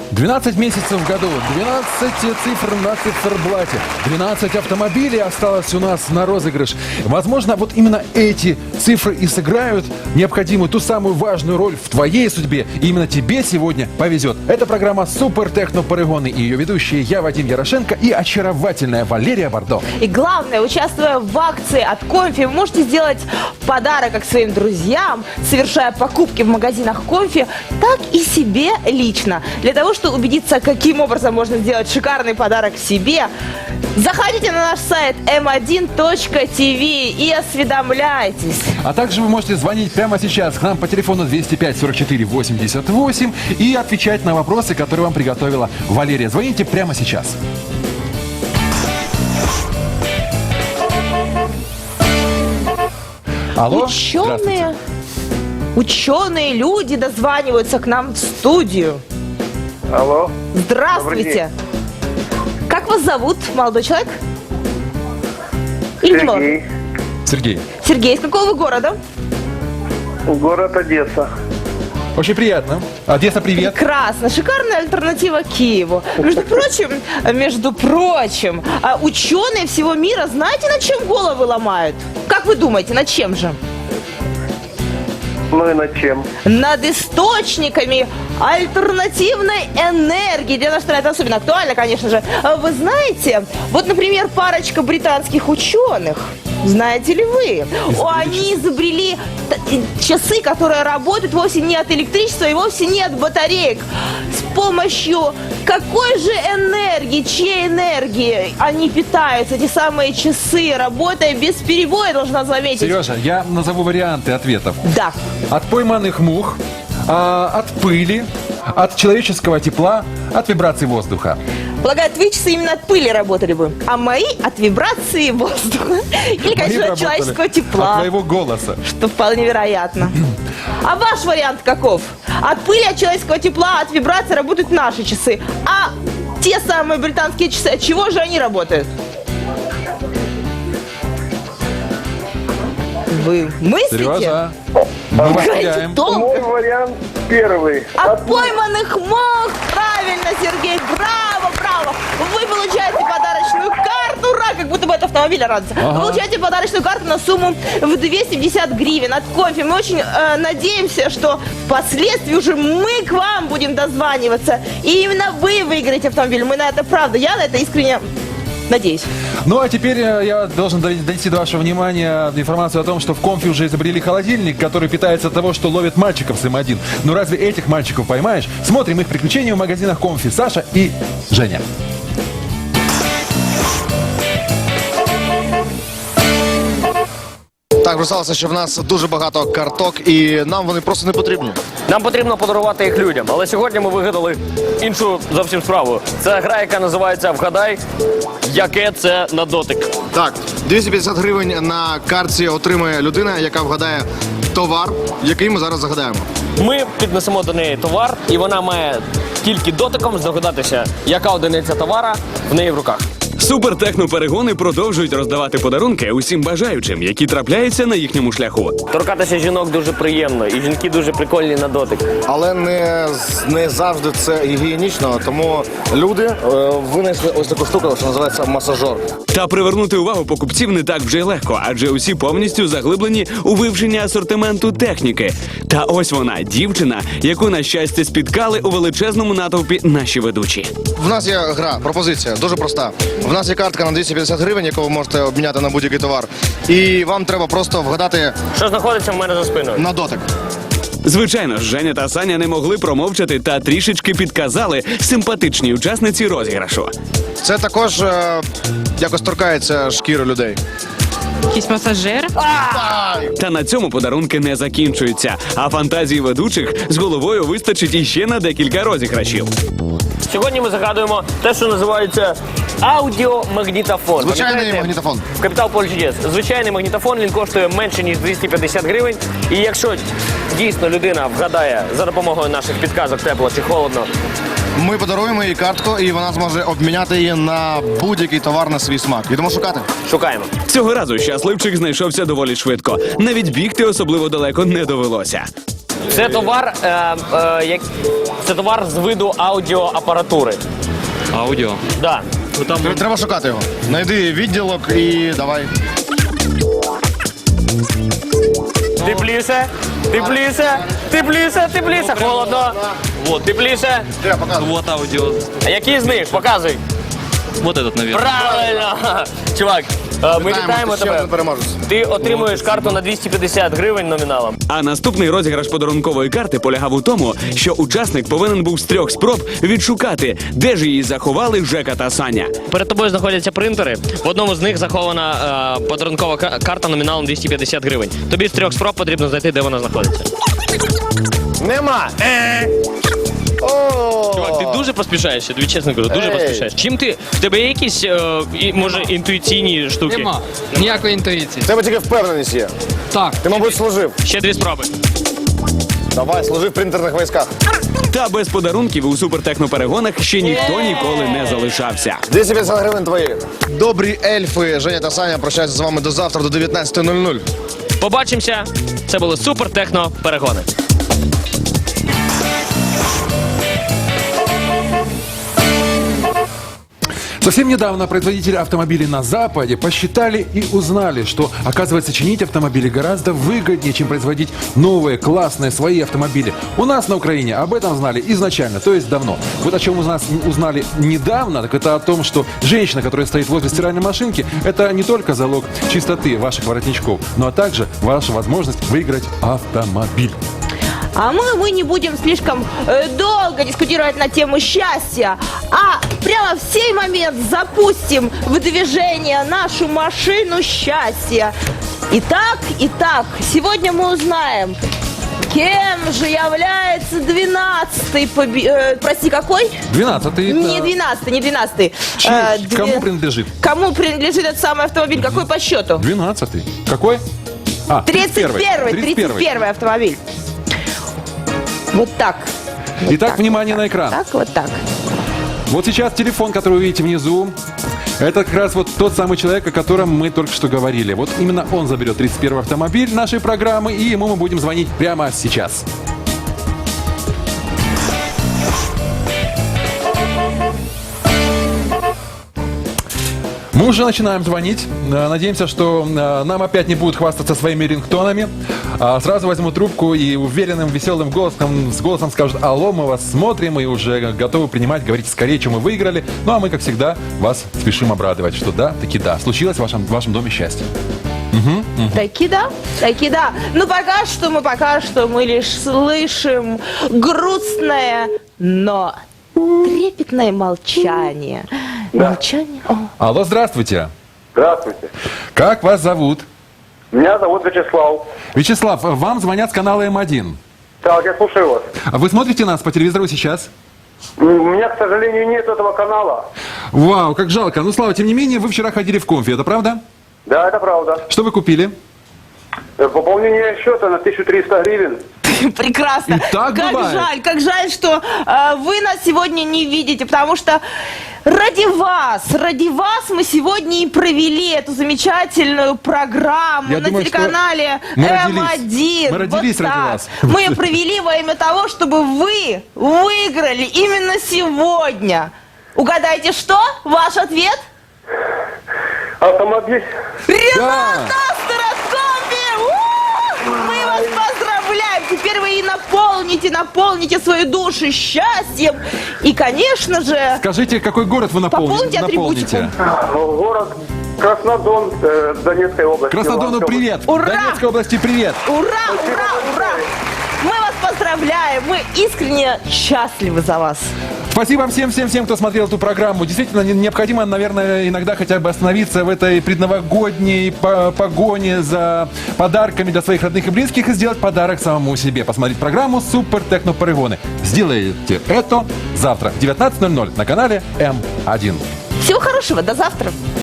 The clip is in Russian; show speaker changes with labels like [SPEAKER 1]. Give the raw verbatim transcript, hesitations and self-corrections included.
[SPEAKER 1] двенадцать месяцев в году, двенадцать цифр на циферблате, двенадцать автомобилей осталось у нас на розыгрыш. Возможно, вот именно эти цифры и сыграют необходимую, ту самую важную роль в твоей судьбе. И именно тебе сегодня повезет. Это программа «Супер Техно Полигоны» и ее ведущие я, Вадим Ярошенко, и очаровательная Валерия Бардо.
[SPEAKER 2] И главное, участвуя в акции от Комфи, вы можете сделать подарок как своим друзьям, совершая покупки в магазинах Комфи, так и себе лично. Для того, чтобы убедиться, каким образом можно сделать шикарный подарок себе, заходите на наш сайт эм один точка ти ви и осведомляйтесь.
[SPEAKER 1] А также вы можете звонить прямо сейчас к нам по телефону двести пять сорок четыре восемьдесят восемь и отвечать на вопросы, которые вам приготовила Валерия. Звоните прямо сейчас. Алло,
[SPEAKER 2] Ученые, ученые люди дозваниваются к нам в студию.
[SPEAKER 3] Алло.
[SPEAKER 2] Здравствуйте. Как вас зовут, молодой человек? Или не молодой?
[SPEAKER 3] Сергей.
[SPEAKER 1] Сергей.
[SPEAKER 2] Сергей, из какого вы города?
[SPEAKER 3] Город Одесса.
[SPEAKER 1] Очень приятно. Одесса, привет.
[SPEAKER 2] Прекрасно. Шикарная альтернатива Киеву. Между прочим, между прочим, а ученые всего мира, знаете, над чем головы ломают? Как вы думаете, над чем же?
[SPEAKER 3] Ну и над чем?
[SPEAKER 2] Над источниками альтернативной энергии. Для нашей страны это особенно актуально, конечно же. Вы знаете, вот, например, парочка британских ученых, знаете ли вы, они изобрели часы, которые работают вовсе не от электричества и вовсе не от батареек. С помощью какой же энергии, чьей энергии они питаются, эти самые часы, работая без перебоя, должна заметить.
[SPEAKER 1] Сережа, я назову варианты ответов.
[SPEAKER 2] Да.
[SPEAKER 1] От пойманных мух, а, от пыли, от человеческого тепла, от вибраций воздуха.
[SPEAKER 2] Полагаю, твои часы именно от пыли работали бы, а мои от вибрации воздуха. Или, конечно,
[SPEAKER 1] Мои
[SPEAKER 2] от человеческого
[SPEAKER 1] От
[SPEAKER 2] тепла.
[SPEAKER 1] твоего голоса.
[SPEAKER 2] Что вполне вероятно. А ваш вариант каков? От пыли, от человеческого тепла, от вибрации работают наши часы. А те самые британские часы, от чего же они работают? Вы мыслите?
[SPEAKER 1] Сережа, мы вас
[SPEAKER 2] Играете
[SPEAKER 1] теряем.
[SPEAKER 2] долго.
[SPEAKER 3] Мой вариант первый.
[SPEAKER 2] От пойманных мух! Правильно, Сергей! Браво, браво! Вы получаете подарочную карту! Ура! Как будто бы от автомобиля радуется.
[SPEAKER 1] Ага.
[SPEAKER 2] Вы получаете подарочную карту на сумму в двести пятьдесят гривен от Комфи. Мы очень э, надеемся, что впоследствии уже мы к вам будем дозваниваться. И именно вы выиграете автомобиль. Мы на это правда. Я на это искренне надеюсь.
[SPEAKER 1] Ну а теперь э, я должен донести до вашего внимания информацию о том, что в Комфи уже изобрели холодильник, который питается от того, что ловит мальчиков с эм один. Ну разве этих мальчиков поймаешь? Смотрим их приключения в магазинах Комфи. Саша и Женя.
[SPEAKER 4] Так, вже сталося, що в нас дуже багато карток, і нам вони просто не потрібні.
[SPEAKER 5] Нам потрібно подарувати їх людям, але сьогодні ми вигадали іншу зовсім справу. Це гра, яка називається «Вгадай, яке це на дотик».
[SPEAKER 4] Так, двісті п'ятдесят гривень на картці отримає людина, яка вгадає товар, який ми зараз загадаємо.
[SPEAKER 5] Ми піднесемо до неї товар, і вона має тільки дотиком здогадатися, яка одиниця товара в неї в руках.
[SPEAKER 6] Супертехно-перегони продовжують роздавати подарунки усім бажаючим, які трапляються на їхньому шляху.
[SPEAKER 5] Торкатися жінок дуже приємно, і жінки дуже прикольні на дотик.
[SPEAKER 4] Але не, не завжди це гігієнічно, тому люди е, винайшли ось таку штуку, що називається масажер.
[SPEAKER 6] Та привернути увагу покупців не так вже й легко, адже усі повністю заглиблені у вивченні асортименту техніки. Та ось вона, дівчина, яку, на щастя, спіткали у величезному натовпі наші ведучі.
[SPEAKER 4] В нас є гра, пропозиція, дуже проста. В нас є картка на двісті п'ятдесят гривень, яку ви можете обміняти на будь-який товар. І вам треба просто вгадати
[SPEAKER 5] Що знаходиться в мене за спиною?
[SPEAKER 4] на дотик.
[SPEAKER 6] Звичайно ж, Женя та Саня не могли промовчати та трішечки підказали симпатичній учасниці розіграшу.
[SPEAKER 4] Це також е, якось торкається шкіри людей.
[SPEAKER 7] Якийсь масажер.
[SPEAKER 6] Та на цьому подарунки не закінчуються, а фантазії ведучих з головою вистачить іще на декілька розіграшів.
[SPEAKER 5] Сьогодні ми загадуємо те, що називається аудіомагнітофон.
[SPEAKER 4] Звичайний
[SPEAKER 5] Пам'ятаєте?
[SPEAKER 4] магнітофон.
[SPEAKER 5] В Капітал Поле Чудес. Звичайний магнітофон, він коштує менше, ніж двісті п'ятдесят гривень. І якщо дійсно людина вгадає за допомогою наших підказок, тепло чи холодно,
[SPEAKER 4] Ми подаруємо їй картку, і вона зможе обміняти її на будь-який товар на свій смак. Йдемо шукати.
[SPEAKER 5] шукаємо.
[SPEAKER 6] Цього разу щасливчик знайшовся доволі швидко. Навіть бігти особливо далеко не довелося.
[SPEAKER 5] Це товар, е, е, як, це товар з виду аудіоапаратури.
[SPEAKER 8] Аудіо.
[SPEAKER 5] Да.
[SPEAKER 4] Треба шукати його. Найди відділок і давай.
[SPEAKER 5] Тепліше, тепліше, тепліше, тепліше. Холодно. Вот, тепліше.
[SPEAKER 4] Треба показувати.
[SPEAKER 8] Вот аудио.
[SPEAKER 5] А який з них? Показуй.
[SPEAKER 8] Вот этот, наверное.
[SPEAKER 5] Правильно! Чувак, е, ми вітаємо
[SPEAKER 4] ще один
[SPEAKER 5] тебе.
[SPEAKER 4] переможець.
[SPEAKER 5] Ти отримуєш карту на двісті п'ятдесят гривень номіналом.
[SPEAKER 6] А наступний розіграш подарункової карти полягав у тому, що учасник повинен був з трьох спроб відшукати, де ж її заховали Жека та Саня.
[SPEAKER 5] Перед тобою знаходяться принтери. В одному з них захована е, подарункова ка- карта номіналом двісті п'ятдесят гривень. Тобі з трьох спроб потрібно знайти, де вона знаходиться.
[SPEAKER 4] Нема. Е. О!
[SPEAKER 5] Чувак, ти дуже поспішаєш, я тобі чесно кажу, дуже
[SPEAKER 4] Ей.
[SPEAKER 5] поспішаєш. Чим ти? В тебе є якісь, е, і, може, інтуїційні штуки?
[SPEAKER 9] Нема ніякої інтуїції.
[SPEAKER 4] В тебе тільки впевненість є.
[SPEAKER 9] Так.
[SPEAKER 4] Ти, мабуть, служив.
[SPEAKER 5] Ще дві спроби.
[SPEAKER 4] Давай, служив в принтерних військах.
[SPEAKER 6] Та без подарунків у супертехноперегонах ще ніхто ніколи не залишався.
[SPEAKER 4] двісті п'ятдесят гривень твої. Добрі ельфи, Женя та Саня прощаються з вами до завтра, до дев'ятнадцятої нуль нуль.
[SPEAKER 5] Побачимося. Це були супер техно перегони.
[SPEAKER 1] Совсем недавно производители автомобилей на Западе посчитали и узнали, что, оказывается, чинить автомобили гораздо выгоднее, чем производить новые, классные, свои автомобили. У нас на Украине об этом знали изначально, то есть давно. Вот о чем у нас узнали недавно, так это о том, что женщина, которая стоит возле стиральной машинки, это не только залог чистоты ваших воротничков, но также ваша возможность выиграть автомобиль.
[SPEAKER 2] А мы, мы не будем слишком э, долго дискутировать на тему счастья, а прямо в сей момент запустим в движение нашу машину счастья. Итак, итак, сегодня мы узнаем, кем же является двенадцатый, поби... э, прости, какой?
[SPEAKER 1] Двенадцатый.
[SPEAKER 2] Не
[SPEAKER 1] это-
[SPEAKER 2] двенадцатый, не двенадцатый.
[SPEAKER 1] Чей-
[SPEAKER 2] Э, две-
[SPEAKER 1] Кому принадлежит?
[SPEAKER 2] Кому принадлежит этот самый автомобиль? Какой по счету?
[SPEAKER 1] Двенадцатый. Какой? А,
[SPEAKER 2] тридцать первый, тридцать первый автомобиль. Вот так.
[SPEAKER 1] Итак, внимание на экран.
[SPEAKER 2] Так, вот так.
[SPEAKER 1] Вот сейчас телефон, который вы видите внизу, это как раз вот тот самый человек, о котором мы только что говорили. Вот именно он заберет тридцать первый автомобиль нашей программы, и ему мы будем звонить прямо сейчас. Мы уже начинаем звонить. Э, Надеемся, что э, нам опять не будут хвастаться своими рингтонами. А сразу возьму трубку и уверенным, веселым голосом, с голосом скажут: алло, мы вас смотрим и уже готовы принимать, говорите скорее, чем мы выиграли. Ну а мы, как всегда, вас спешим обрадовать, что да, таки да, случилось в вашем, в вашем доме счастье.
[SPEAKER 2] Таки да, таки да. Ну пока что мы, пока что мы лишь слышим грустное, но трепетное молчание. Молчание. О.
[SPEAKER 1] Алло, здравствуйте.
[SPEAKER 3] Здравствуйте.
[SPEAKER 1] Как вас зовут?
[SPEAKER 3] Меня зовут Вячеслав.
[SPEAKER 1] Вячеслав, вам звонят с канала Эм один.
[SPEAKER 3] Так, я слушаю вас.
[SPEAKER 1] А вы смотрите нас по телевизору сейчас?
[SPEAKER 3] У меня, к сожалению, нет этого канала.
[SPEAKER 1] Вау, как жалко. Ну, Слава, тем не менее, вы вчера ходили в конфи, это правда?
[SPEAKER 3] Да, это правда.
[SPEAKER 1] Что вы купили?
[SPEAKER 3] Э, Пополнение счета на тысячу триста гривен.
[SPEAKER 2] Прекрасно.
[SPEAKER 1] И так
[SPEAKER 2] как
[SPEAKER 1] бывает.
[SPEAKER 2] жаль, как жаль, что э, вы нас сегодня не видите, потому что ради вас, ради вас мы сегодня и провели эту замечательную программу
[SPEAKER 1] Я
[SPEAKER 2] на
[SPEAKER 1] думаю, что
[SPEAKER 2] телеканале
[SPEAKER 1] мы
[SPEAKER 2] Эм
[SPEAKER 1] родились.
[SPEAKER 2] один.
[SPEAKER 1] Мы родились
[SPEAKER 2] Вот
[SPEAKER 1] ради
[SPEAKER 2] так.
[SPEAKER 1] вас.
[SPEAKER 2] Мы ее провели во имя того, чтобы вы выиграли именно сегодня. Угадайте, что? Ваш ответ?
[SPEAKER 3] Автомобиль.
[SPEAKER 2] Ренат Старокомби! У! Мы вас поздравляем! Теперь вы и наполните, наполните свою душу счастьем. И, конечно же,
[SPEAKER 1] Скажите, какой город вы напомни-
[SPEAKER 2] Пополните атрибутику.
[SPEAKER 1] наполните?
[SPEAKER 3] Город Краснодон, э, Донецкой области.
[SPEAKER 1] Краснодону
[SPEAKER 3] Луганской
[SPEAKER 1] привет!
[SPEAKER 2] Ура!
[SPEAKER 1] Донецкой области привет!
[SPEAKER 2] ура, ура, ура! Мы вас поздравляем! Мы искренне счастливы за вас.
[SPEAKER 1] Спасибо всем-всем-всем, кто смотрел эту программу. Действительно, не- необходимо, наверное, иногда хотя бы остановиться в этой предновогодней по- погоне за подарками для своих родных и близких и сделать подарок самому себе. Посмотреть программу «Супер Техно Перегоны». Сделайте это завтра в девятнадцать ноль ноль на канале Эм один.
[SPEAKER 2] Всего хорошего, до завтра.